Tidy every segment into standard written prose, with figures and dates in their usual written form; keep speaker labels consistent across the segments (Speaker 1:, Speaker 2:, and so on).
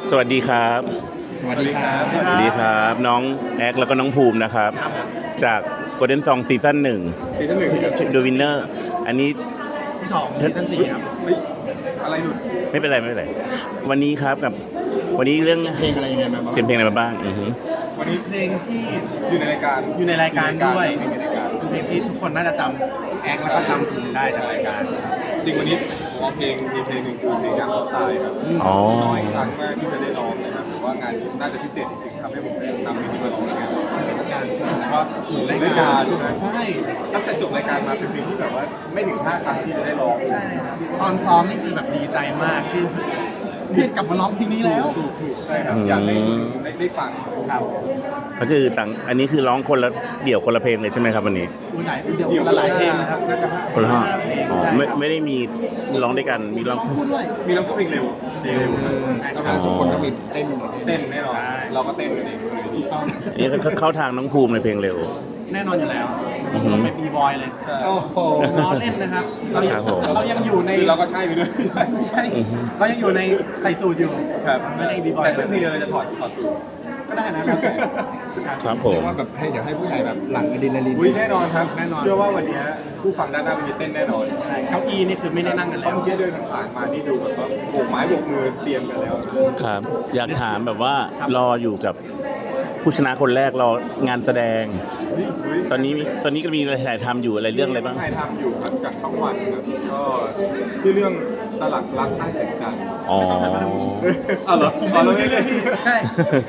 Speaker 1: สวัสดีครับ
Speaker 2: สวัสดีครับ
Speaker 1: สวัสดีครับน้องแอคแล้วก็น้องภูมินะครับ จาก Golden Song ซีซั่น 1 ดูวินเนอร์อันนี้
Speaker 2: ที่2ซีซั่น4ครับ
Speaker 3: อะไรหลุด
Speaker 1: ไม่เป็นไรไม่เป็นไรวันนี้ครับกับวันนี้เรื่อง
Speaker 2: เพลงอะไรยังไงมาบ้าง
Speaker 1: เป็นเพลงอะไรมาบ้าง
Speaker 3: วันนี้เพลงที่อยู่ในรายการ
Speaker 2: ด้วย
Speaker 3: อยู่ในรายการ
Speaker 2: เพลงที่ทุกคนน่าจะจำแอคแล้วก็จำภูมิได้จากรายการ
Speaker 3: จริงวันนี้ผมเอาเพลงหนึ่งคือเพลงจากเขาทรายครับน้อยครั้งมากที่จะได้ร้องนะครับผมว่างานนี้น่าจะพิเศษจริงๆทำให้ผมได้นำเพลงนี้มาร้องในงานก็ถึงรายการใช่ไหมใช่ตั้งแต่จบรายการมาเป็นเพลงที่แบบว่าไม่ถึง5 ครั้งที่จะได้ร้อง
Speaker 2: ใช่ตอนซ้อมนี่คือแบบดีใจมากที่กลับมาร้องเพลงนี้แล้ว
Speaker 3: ใช่ครับอยากได้ฟัง
Speaker 2: ครับ
Speaker 1: ก็คือต่างอันนี้คือร้องคนละเดี่ยวคนละเพลงเลยใช่ไหมครับวันนี้
Speaker 2: เดี๋ยวหลายเพลงนะครับน่าจะ
Speaker 1: คนละห้า
Speaker 2: อ๋อ
Speaker 1: ไม่ได้มีร้องด้วยกันมีร้อง
Speaker 2: คู่ด้วย
Speaker 3: มีร้องเพลงเร็ว
Speaker 2: ทุกคนก็มีเต้น
Speaker 3: แน่นอนเราก็เต้นกันเอง
Speaker 1: อันนี้เข้าทางน้องภูมิในเพลงเร็ว
Speaker 2: แน่นอนอยู่แล้วเราเป็นบีบอยเลยโอ้โหล้อเล่นนะครับเรายังอยู่ใน
Speaker 3: เราก็ใช่ไปด้วย
Speaker 2: เรายังอยู่ในใส่สูทอยู่
Speaker 3: ครับ
Speaker 2: ไม่ได้บีบอย
Speaker 3: แต่ซึ่งเพลงเดียวเราจะถอดสูท
Speaker 2: ก็ได้นะ
Speaker 1: ครับผม
Speaker 2: ว่าแบบเดี๋ยวให้ผู้ใหญ่แบบหลั่งอะดรีนาลีน
Speaker 3: แน่นอนครับแน่นอนเชื่อว่าวันนี้ผู้ฟังด้านหน้ามีเต้นแน่นอน
Speaker 2: เก้าอี้นี่คือไม่ได้นั่งกันแล้ว
Speaker 3: เมื่อกี้เดินผ่านมานี่ดูแบบว่าโบกไม้โบกมือเตรียมกันแล้ว
Speaker 1: ครับอยากถามแบบว่ารออยู่กับผู้ชนะคนแรกรองานแสดงตอนนี้ก็มีถ่ายทำอยู่อะไรเรื่องอะไรบ้าง
Speaker 3: ถ่ายทำอยู่ครับจากช่องวันครับก็ชื่อเรื่องสลักรักใต้แสงจันทร์
Speaker 1: อ๋อ
Speaker 3: เหรอ
Speaker 2: เราชื่อเรื่องที่ใช่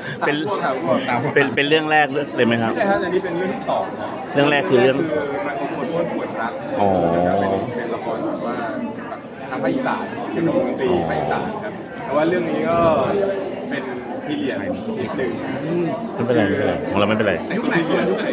Speaker 1: เป็นเรื่องแรกเลยไหมครับ
Speaker 3: ใช่ครับอันนี้เป็นเรื่องที่2
Speaker 1: เรื่องแรกคือเรื่อง
Speaker 3: มันของคนปวดรัก
Speaker 1: อ๋อ
Speaker 3: เป็นละครแบบว่าทางภาคอีสานเป็นดนตรีภาคอีสานครับแต่ว่าเรื่องนี้ก็เป็นพีเรียดอีกหนึ่ง
Speaker 1: ไม่เป็นไรของเราไม่เป็นไร
Speaker 3: ยุคไหน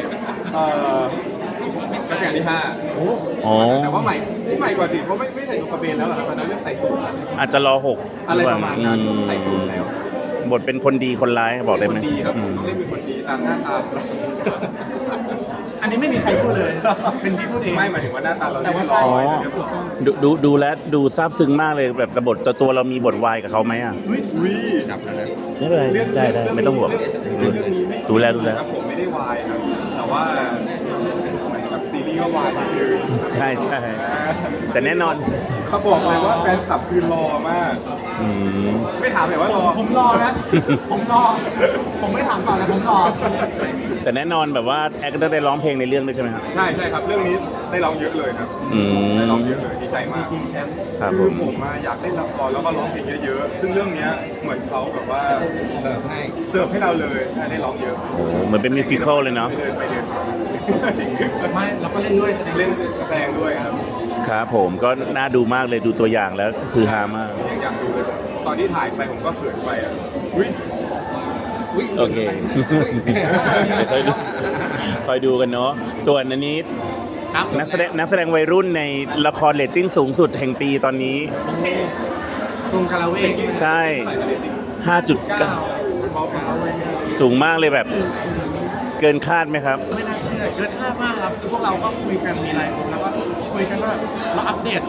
Speaker 3: รัชกาลที่5
Speaker 1: อ๋อ
Speaker 3: แต่ว่าใหม่กว่าสิเพราะไม่ใส่กระเบนแล้วหรอครับตอนนั้นเริ่มใส่สูท
Speaker 1: อาจจะรอ
Speaker 3: 6อะไรประมาณนั้นใส่สูทแล้ว
Speaker 1: บทเป็นคนดีคนร้ายบอกได้ไหม
Speaker 3: คนดีครับต้องเล่นเป็นคนดีตามหน้าตา
Speaker 2: อันนี้ไม่มีใครพูดเลยเป็นพี่พูดเอง
Speaker 3: ไม่หมายถึงว่าหน้าตาเราแต่ว่า
Speaker 1: ดูแลดูซาบซึ้งมากเลยแบบบทตัวเรามีบทวายกับเขาไหมอ่ะ
Speaker 3: ดับแล้วนะ
Speaker 1: ไม่เป็นไรได้ไม่ต้องห่วงดูแล
Speaker 3: ผมไม่ได้วายครับแต่ว่าแบบซีรีส์ก็วาย
Speaker 1: ใช่แต่แน่นอน
Speaker 3: เขาบอกเลยว่าแฟนคลับคือรอมากไม่ถามเลยว่ารอ
Speaker 2: ผมรอนะผมไม่ถามก่อนนะผมรอ
Speaker 1: แต่แน่นอนแบบว่าแอคก็ได้ร้องเพลงในเรื่องด้วยใช่ไหมครับ
Speaker 3: ใช่ครับเรื่องนี้ได้ร้องเยอะเลยครับได้ร้องเยอะเลยดีใจมากคือผมอยากเล่นละครแล้วก็ร้องเพลงเยอะๆซึ่งเรื่องนี้เหมือนเขาแบบว่าเสิร์ฟให้เราเลยได้ร้องเยอะ
Speaker 1: เหมือนเป็นมิวสิควลเลยเนาะ
Speaker 2: ไม่เราก็เล่นด้วย
Speaker 3: แสดงด้วยครับ
Speaker 1: ครับผมก็น่าดูมากเลยดูตัวอย่างแล้วคือฮามาก
Speaker 3: อยากดูเลยตอนที่ถ่ายไปผมก็เขินไปอ่ะ
Speaker 1: โอเคคอยดูกันเนาะส่วนอันนี้นักแสดงวัยรุ่นในละครเรตติ้งสูงสุดแห่งปีตอนนี้
Speaker 2: กรุงคาราเวก
Speaker 1: ใช่ 5.9 สูงมากเลยแบบเกินคาดไหมครับ
Speaker 2: ไม่น่าเชื่อเกินคาดมากครับพวกเราก็คุยกันมีอะไรแล้วก็คุยกันว่าเราอัปเดต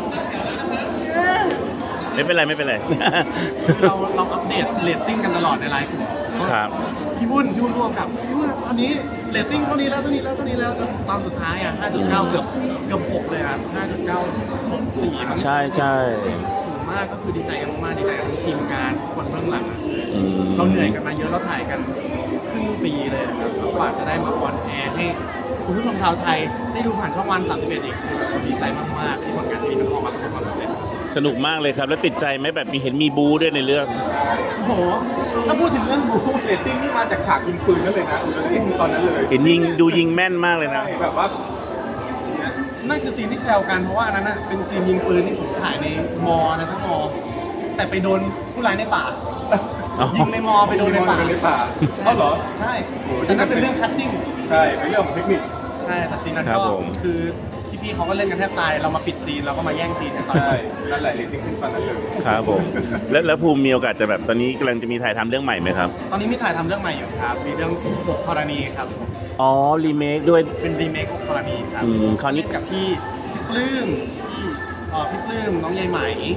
Speaker 1: ไม่เป็นไร
Speaker 2: เราอัปเดตเรตติ้งกันตลอดในไลน์กลุ่ม
Speaker 1: ครับ
Speaker 2: พี่บุญดูรวมกับพี่บุญตอนนี้เรตติ้งเท่านี้แล้วจนตอนสุดท้ายอ่ะ 5.9 เกือบ6เลยอ่ะ 5.9 4
Speaker 1: ใช่
Speaker 2: สูงมากก็คือดีใจกันมากดีใจกับทีมงานคนเบื้องหลังเราเหนื่อยกันมาเยอะเราถ่ายกันครึ่งปีเลยครับแล้วกว่าจะได้มาออนแอร์ให้คุณผู้ชมชาวไทยได้ดูผ่านช่องวัน31อีกคือเราดีใจมากๆที่ผลงานที่มันออกมาประสบความสำเร็จ
Speaker 1: สนุกมากเลยครับแล้วติดใจไหมแบบเห็นมีบูด้วยในเรื่อง
Speaker 2: โอ้โหถ้าพูดถึงเรื่องบู
Speaker 3: เรตติ้งนี่มาจากฉากยิงปืนนั่นเลยนะเรตติ้งตอนนั้นเลย
Speaker 1: เห็นยิงแม่นมากเลยนะ
Speaker 3: แบบว่า
Speaker 2: นั่นคือซีนที่แซวกันเพราะว่าอันนั้นเป็นซีนยิงปืนที่ผมถ่ายในมอนะทั้งมอแต่ไปโดนผู้ร้ายในป่ายิงในมอไปโดนในป่า
Speaker 3: เขาเหรอ
Speaker 2: ใช่แต่นั่นเป็นเรื่องคัตติ้ง
Speaker 3: ใช่เป็นเรื่องของเทคนิค
Speaker 2: ใช่แต่ซีนนั้นก็คือพี่เขาก็เล่นกันแทบตายเรามาปิดซีนเราก็มาแย่งซีนกันตอน
Speaker 3: ใช่นั่นแหละเรตติ้งขึ้นตอนนั้นเลย
Speaker 1: ครับผมแล้วภูมิมีโอกาสจะแบบตอนนี้กำลังจะมีถ่ายทำเรื่องใหม่ไหมครับ
Speaker 2: ตอนนี้มีถ่ายทำเรื่องใหม่อยู่ครับมีเรื่อง6 ธรณีครับ
Speaker 1: อ๋อรีเมคด้วย
Speaker 2: เป็นรีเมค6 ธรณีครับ
Speaker 1: คราวนี้
Speaker 2: กับพี่ปลื้มน้องใยไหม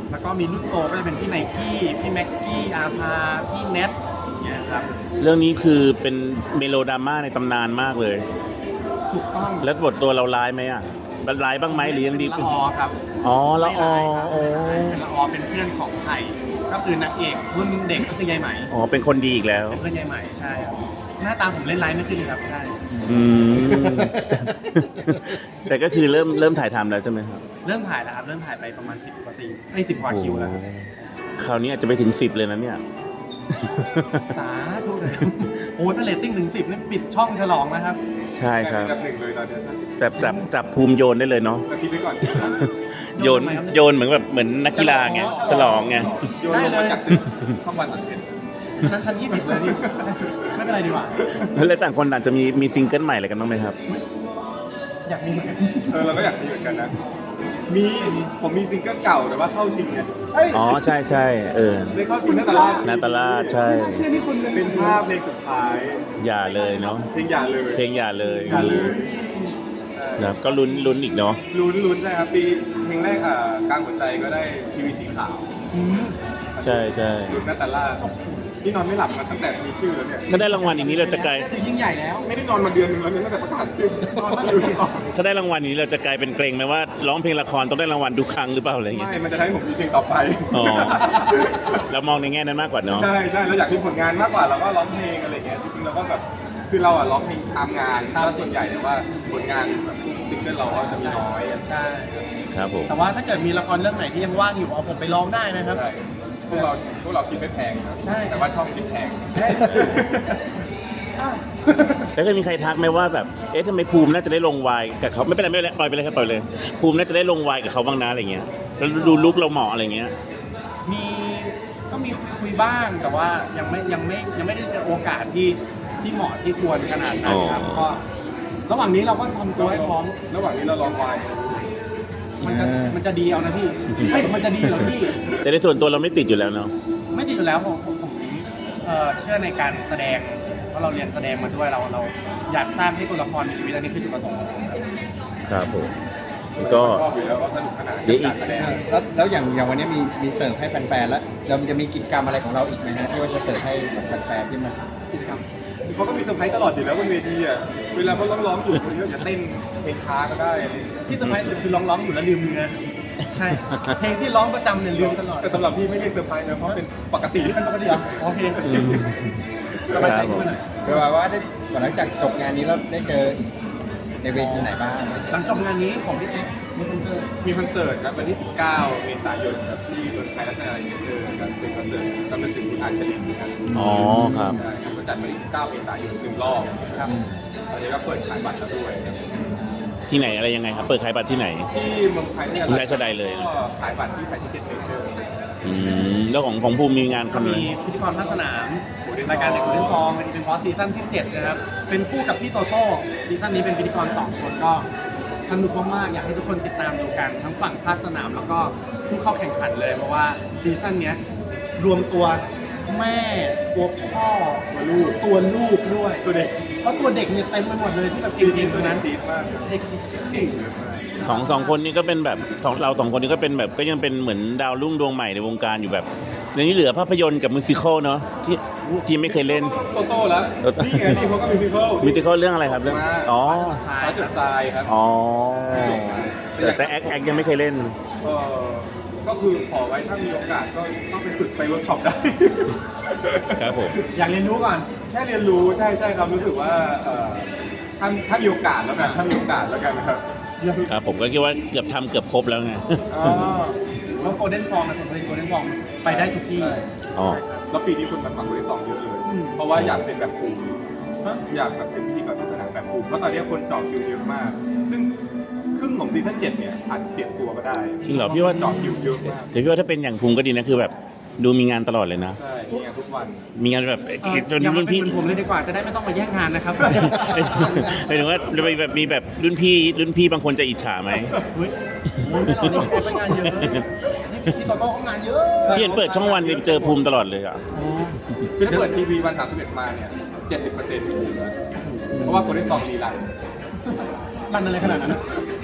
Speaker 2: แล้วก็มีรุ่นโตก็จะเป็นพี่ไนกี้พี่แม็กกี้อาภาพี่เน็ตอย่างเงี้ยครับ
Speaker 1: เรื่องนี้คือเป็นเมโลดราม่าในตำนานมากเลย
Speaker 2: ถูกต้อง
Speaker 1: แล้วบทตัวเราร้ายไหมอ่ะร้ายบ้างไหมหรือยังดี
Speaker 2: ละออครับ
Speaker 1: อ๋อละออ
Speaker 2: ไม่ร้ายครับเป็นละออเป็นเพื่อนของไทยก็คือนางเอกรุ่นเด็กก็คือยายไหม
Speaker 1: อ๋อเป็นคนดีอีกแล้ว
Speaker 2: เป็นเพื่อนยายไหมใช่ครับหน้าตาผมเล่นไลฟ์ไม่ขึ้นเลยครับใช่
Speaker 1: อืม แต่ก็คือเริ่มถ่ายทำแล้วใช่ไหมครับ
Speaker 2: เริ่มถ่ายแล้วครับเริ่มถ่ายไปประมาณ10 กว่าซีนไอ้10 กว่าคิวแล้ว
Speaker 1: โอ้คราวนี้อาจจะไปถึง 10 เลยนะเนี่ย
Speaker 2: สาธุเลยโอ้ถ้าเรตติ้งถึง 10นี่ปิดช่องฉลองนะครับ
Speaker 1: ใช่ครับ
Speaker 3: แบบหนึ่งเลยตอนเนี้ย
Speaker 1: แบบจับภูมิโยนได้เลยเนาะ
Speaker 3: เราคิดไว้ก่อน
Speaker 1: โยนเหมือนนักกีฬาไงฉลองไง
Speaker 3: โยนลงมาจากตึกช่องวันหลังเห็น
Speaker 2: อันนั้นชั้น20เลยนี่ไม่เป็นไรดีกว่า
Speaker 1: แล้วต่างคนต่างจะมีซิงเกิลใหม่อะไรกันบ้างไหมครับ
Speaker 2: อยากมีเหมือนกัน
Speaker 3: เราก็อยากมีเหมือนกันนะผมมีซิงเกิลเก่าแต่ว่าเข้าชิงเนี่ย
Speaker 1: อ๋อใช่ใช่
Speaker 3: ได้เข้าชิงนาตาลาด
Speaker 1: นาตาลาดใช่
Speaker 2: เชื่อนี่คุณเลย
Speaker 3: เป็นภาพเพลงสุดท้าย
Speaker 1: อย่าเลยเนาะ
Speaker 3: เพลงอย่าเลย
Speaker 1: เพลงอย่าเลย
Speaker 3: อย่าเลย
Speaker 1: นะก็ลุ้นอีกเนาะ
Speaker 3: ลุ้นใช่ครับปีเพลงแรกกลางหัวใจก็ได้ทีวีสีขาว
Speaker 2: อืม
Speaker 1: ใช่ใช่
Speaker 3: ลุ้นนาตาลาดที่นอนไม่หลับมาตั้งแต่มีชื่อแล้วเนี่ย
Speaker 1: ถ้าได้รางวัลอย่างนี้เราจะกลาย
Speaker 2: นี่คือยิ่งใหญ่แล้ว
Speaker 3: ไม่ได้นอนมาเดือนหนึงแล้วเนี่ยตั้งแต่ประกาศชื่อน
Speaker 2: อนมาเดือนหนึ่ง
Speaker 1: ถ้าได้รางวัลอย่างนี้เราจะกลายเป็นเกรงไหมว่าร้องเพลงละครต้องได้รางวัลทุกครั้งหรือเปล่าอะไรอย่างเงี้ย
Speaker 3: ไม่มันจะทำให้ผมมีเพลงต่อไป
Speaker 1: อ๋อ เรามองในแง่นั้นมากกว่าเนาะ
Speaker 3: ใช่เราอยากมีผลงานมากกว่าเราก็ร้องเพลงอะไรเงี้ยจริงๆเราก็แบบคือเราร้องเพลงตามงานถ้าส่วนใหญ่แต่ว่าผลงานแบบซิงเกิลเราก็จะมีน้อย
Speaker 2: ใช่
Speaker 1: ครับผม
Speaker 2: แต่ว่าถ้าเกิดมีละครเรื่องไหนที่ยังว่างอยู่เอาผมไปร้องได้นะครับ
Speaker 3: ใช่พวกเราคิดไม่แพงครับ
Speaker 2: ใช่
Speaker 3: แต่ว่าช่องคิดแพง
Speaker 2: อ้าว
Speaker 1: แล้วเคยมีใครทักไหมว่าแบบเอ๊ะทำไมภูมิน่าจะได้ลงวายกับเขาไม่เป็นไรปล่อยไปเลยครับปล่อยเลย ภูมิน่าจะได้ลงวายกับเขาบ้างนะอะไรเงี้ยแล้วดูลุกเราเหมาะอะไรเงี้ย
Speaker 2: ก็มีคุยบ้างแต่ว่ายังไม่ได้เจอโอกาสที่เหมาะที่ควรขนาดนั้นครับ
Speaker 1: อ๋อ
Speaker 2: ก็ระหว่างนี้เราก็ทำตัวให้พร้อม
Speaker 3: ระหว่างนี้เราลองวาย
Speaker 2: มันจะดีเอานะพี่เฮ้ยมันจะดีเหรอพี่
Speaker 1: แต่ในส่วนตัวเราไม่ติดอยู่แล้วเนาะ
Speaker 2: ไม่ดีอยู่แล้วผมเชื่อในการแสดงเพราะเราเรียนแสดงมาด้วยเราอยากสร้างให้ตัวละครมีชีวิตอันนี้คือจุดประสงค์ของผมครับ
Speaker 1: ครับผมก็
Speaker 3: ชอบอยู่แล้วว่าสนุกขนาด
Speaker 1: เดี๋ยวอีก
Speaker 3: การแสดง
Speaker 4: แล้วอย่างวันนี้มีเสิร์ฟให้แฟนๆแล้วเราจะมีกิจกรรมอะไรของเราอีกไหมฮะที่ว่าจะเสิร์ฟให้กับแฟนๆที่มา
Speaker 2: กิจกรรม
Speaker 3: เขาก็มีเซอร์ไพรส์ตลอดอยู่แล้วบนเวทีอ่ะเวลาเขาร้องอยู่คนนี้จะเต้นเพลงช้าก็ได้
Speaker 2: ที่เซอร์ไพรส์สุดคือร้องอยู่แล้วลืมเนื้อใช่เพลงที่ร้องประจำเนี่ยลืมตลอด
Speaker 3: แต่สำหรับพี่ไม่ใช่เซอร์ไพรส์นะเพราะเป็นปกติ
Speaker 2: เป็นปกติเหรอโอเคสบายใจขึ้นหน่อย
Speaker 4: แปลว่าได้หลังจากจบงานนี้แล้วได้เจออีกในเวทีไหนบ้าง
Speaker 2: หลังจบงานนี้ของพี่มีคอนเสิร์ต
Speaker 3: มีคอนเสิร์ตครับวันที่ 19 เมษายนครับที่เมืองไทยรัชดาเซ็นเตอร์ครับเป็นคอนเสิร์ตกำลังถึงคุณอาชลินครับ
Speaker 1: อ๋อครับ
Speaker 3: ใช่ครับก็จัดวันที่ 19 เมษายน1 รอบครับตอนนี้ก็เปิดขายบัตรแล้วด้วยครับ
Speaker 1: ที่ไหนอะไรยังไงครับ เปิดขายบัตรที่ไหน
Speaker 3: ที่เมืองไทยเนี่ย
Speaker 1: ราชดาเลย
Speaker 3: ก็ขายบัตรที่ไทยที่เจ็ดเมเจอร์
Speaker 1: แล้วของภูมิมีงาน
Speaker 2: ก็
Speaker 1: ทำอะไร
Speaker 2: มีพิธีกรภาคสนามรายการเด็กคนเล่นฟองเป็นอีเวนต์ฟอสซีซั่นที่ 7 นะครับ เป็นคู่กับพี่โตโต้ซีซั่นนี้เป็นพิธีกร 2 คนก็สนุกมากๆอยากให้ทุกคนติดตามดูกันทั้งฝั่งภาคสนามแล้วก็ผู้เข้าแข่งขันเลยเพราะว่าซีซั่นเนี้ยรวมตัวแม่ตัวพ่อตัวลูกด้วยตัวเด็กเพราะตัวเด็กเนี่ยเต็มไปหมดเลยที่แบบเก่งๆตัวนั้น
Speaker 3: จี๊ดมากครับ
Speaker 2: เด็กเก่ง
Speaker 1: สองคนนี้ก็เป็นแบบเราสองคนนี้ก็เป็นแบบก็ยังเป็นเหมือนดาวรุ่งดวงใหม่ในวงการอยู่แบบในนี้เหลือภาพยนตร์กับมิวสิควลเนาะที่ไม่เคยเล่น
Speaker 3: โตแล้วนี่ไงนี่เขาก็มิวสิควล
Speaker 1: มิวสิควลเรื่องอะไรครับเรื่องอ๋อ
Speaker 3: เขาจุดทรายครับ
Speaker 1: อ๋อแต่แอคยังไม่เคยเล่น
Speaker 3: ก็คือขอไว้ถ้ามีโอกาสก็ต้องไปฝึกไปเวิร์กช็อปได้
Speaker 1: ครับผม
Speaker 2: อยากเรียนรู้ก่อน
Speaker 3: แค่เรียนรู้ใช่ครับรู้สึกว่าถ้ามีโอกาสแล้วกันถ้ามีโอกาสแล้วกันนะครับ
Speaker 1: ครับผมก็คิดว่าเกือบทำเกือบครบแล้วไง
Speaker 2: แล้วโกลเด้นฟองนะผมเป็นโกลเด้นฟองไปได้ทุกที่
Speaker 1: อ๋อ
Speaker 3: แล้วปีนี้คนมาฟังคนที่สองเยอะเลย เพราะว่าอยากเป็นแบบภูมิอยากแบบเป็นพิธีกรศาสนาแบบภูมิเพราะตอนนี้คนเจาะคิวเยอะมาก ซึ่งครึ่งของซีซั่น7เนี่ยอาจจะเปลี่ยนตัวก็ได้
Speaker 1: จริงเหรอพี่ว่า
Speaker 3: เจาะคิวเยอะมาก
Speaker 1: แต่พี่ว่าถ้าเป็นอย่างภูมิก็ดีนะคือแบบดูมีงานตลอดเลยนะ
Speaker 3: ใช่มีงานทุกวัน
Speaker 1: มีงานแบบจน
Speaker 2: อย่า
Speaker 1: รุ่
Speaker 2: มาน เป็น
Speaker 1: พี่
Speaker 2: เหมือนผมเลยดีกว่าจะได้ไม่ต้องมาแย่งงานนะครับ
Speaker 1: หมายถึงว่ามีแบบรุ่นพี่บางคนจะอิจฉาไหม
Speaker 2: เฮ้ยโอ้ยไม่หรอกนี่ไปงานเยอะนี่พี่โตโต้เขางานเยอะ
Speaker 1: พี่เห็นเปิดช่องวันเนี่ยเจอภูมิตลอดเลยอ่ะ
Speaker 3: คือถ้าเปิดทีวีวัน31มาเนี่ย 70%มีอยู่แล้วเพราะว่าคนที่สองรีรัน
Speaker 2: รันอะไรขนาดนั้นอะ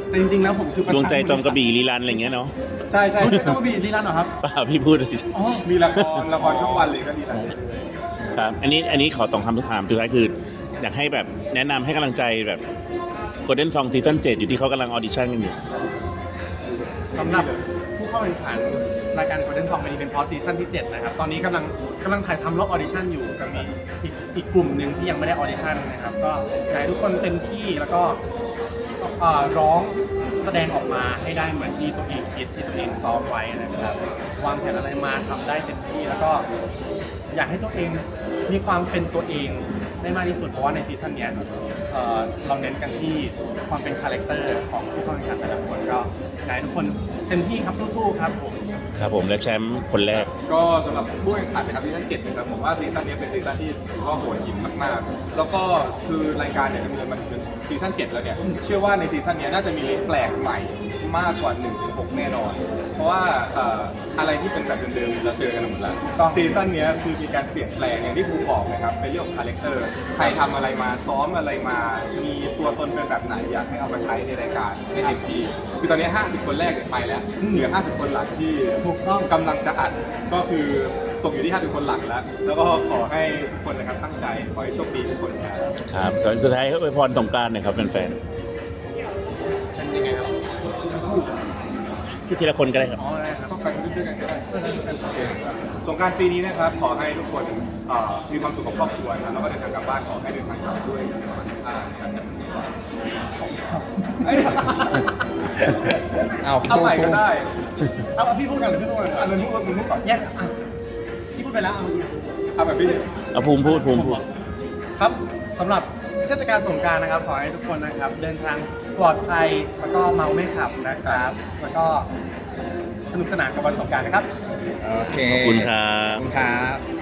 Speaker 2: แต่จริงๆแล้วผมคือ
Speaker 1: ดวงใจจอมกระบี่รีรันอะไรเงี้ยเนาะ
Speaker 3: ใช่ใช่
Speaker 2: ไม่ได้ต้องมาบีดลีลันเหรอครับ
Speaker 1: เปล่าพี่พูดเลย
Speaker 2: อ๋อ
Speaker 3: มีละครช่องวันเลยก็ดีนะ
Speaker 1: ครับอันนี้ขอตองคำถามสุดท้ายคือ อยากให้แบบแนะนำให้กำลังใจแบบ Golden Song ซีซั่น7อยู่ที่เขากำลังออดิชั่นกันอยู่
Speaker 2: สำหรับผู้เข้าแข่งขันรายการ Golden Song เป็นพอซีซั่นที่ 7 นะครับ ตอนนี้กำลังถ่ายทำรอบออดิชั่นอยู่กับอีกกลุ่มหนึ่งที่ยังไม่ได้ออดิชั่นนะครับ ก็อยากให้ทุกคนเต็มที่แล้วก็ร้องแสดงออกมาให้ได้เหมือนที่ตัวเองคิดที่ตัวเองซ้อมไว้นะครับวางแผนอะไรมาทำได้เต็มที่แล้วก็อยากให้ตัวเองมีความเป็นตัวเองได้มากที่สุดเพราะว่าในซีซั่นเนี้ยเราเน้นกันที่ความเป็นคาแรคเตอร์ของผู้เข้าแข่งขันแต่ละคนก็อยากให้ทุกคนเต็มที่ครับสู้ๆครับผม
Speaker 1: ครับผมและแชมป์คนแรก
Speaker 3: ก็สำหรับผู้แข่งขันนะครับซีซั่น7นะครับผมว่าซีซั่นนี้เป็นซีซั่นที่ผมว่าโหดหินมากๆ แล้วก็คือรายการเนี่ยดำเนินมาถึงซีซั่น7แล้วเนี่ยเชื่อว่าในซีซั่นนี้น่าจะมีอะไรแปลกใหม่มากกว่า1-6แน่นอน เพราะว่าอะไรที่เป็นแบบเดิมๆเราเจอกันหมดแล้วซีซั่นนี้คือมีการเปลี่ยนแปลงอย่างที่ครูบอกนะครับเป็นเรื่องของคาแรคเตอร์ใครทำอะไรมาซ้อมอะไรมามีตัวตนเป็นแบบไหนอยากให้เอามาใช้ในรายการให้เต็มที่คือตอนนี้50คนแรกเนี่ยไปแล้วเหลือ50คนหลังที่
Speaker 2: ถูกต้อง
Speaker 3: กำลังจะอัดก็คือตกอยู่ที่50คนหลังแล้ว แล้วก็ขอให้ทุกคนนะครับตั้งใจขอให้โชคดีทุกคนครับ
Speaker 1: ครับตอนสุดท้ายอวยพรสงกรานต์หน่อยครับแฟน
Speaker 2: เป็นยังไงครับ
Speaker 1: ๆที่ทีละคนก็ได้ครับ
Speaker 2: อ๋อได้ครับ
Speaker 3: ต้องไปด้วยกันก็ได้โอเคสงกรานต์ปีนี้นะครับขอให้ทุกคนมีความสุขกับครอบครัวนะครับแล้วก็เดินทางกลับบ้านขอให้เดินทางกลับด้วยสวัสดิภาพเอ้ย
Speaker 4: เอา
Speaker 3: เอาใหม่ก็ได้
Speaker 2: เอาพี่พูดกันหรือพี่พูดกัน
Speaker 3: อันนั้นพูดมึงพูดก่อน
Speaker 2: แยกอ่ะพี่พูดไปแล้วเอา
Speaker 3: เอาแบบพี่
Speaker 1: เอาภูมิพูด
Speaker 2: ครับสำหรับเทศกาลสงกรานต์นะครับขอให้ทุกคนนะครับ เดินทางปลอดภัยแล้วก็เมาไม่ขับนะครับ แล้วก็สนุกสนานกับวันสงกรานต์นะครับ
Speaker 4: โอเค
Speaker 1: ขอบคุณครั
Speaker 4: ขอบบ คุณครับ